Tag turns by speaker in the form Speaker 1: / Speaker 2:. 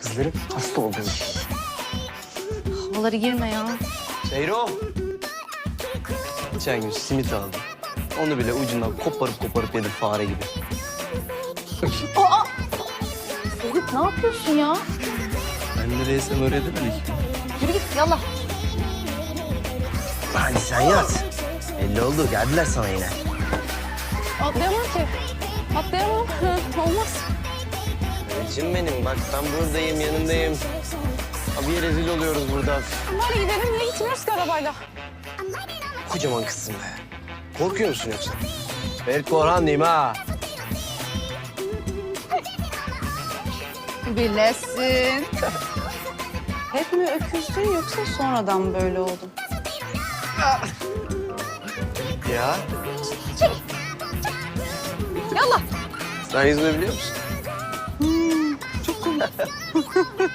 Speaker 1: kızlarım. Hasta oldum.
Speaker 2: Havaları girme ya.
Speaker 1: Seyro. Geçen gün simit aldım. Onu bile ucundan koparıp yedim fare gibi.
Speaker 2: Ferit ne yapıyorsun ya?
Speaker 1: Ben nereysem öyle demedik.
Speaker 2: Yürü git yallah.
Speaker 1: Hadi sen yat. Belli oldu. Geldiler sana yine.
Speaker 2: Atlayamam ki. Atlayamam. Olmaz.
Speaker 1: Elçin benim. Bak ben buradayım, yanındayım. Abiye rezil oluyoruz burada.
Speaker 2: Hadi gidelim. Niye gitmiyoruz ki arabayla?
Speaker 1: Kocaman kızsın be. Korkuyor musun yoksa? Ben Korhan'lıyım ha.
Speaker 2: Bilesin. Hep mi öküzdün yoksa sonradan böyle oldun?
Speaker 1: Ya
Speaker 2: Yallah.
Speaker 1: sen yüzme biliyor musun?
Speaker 2: Çok komik.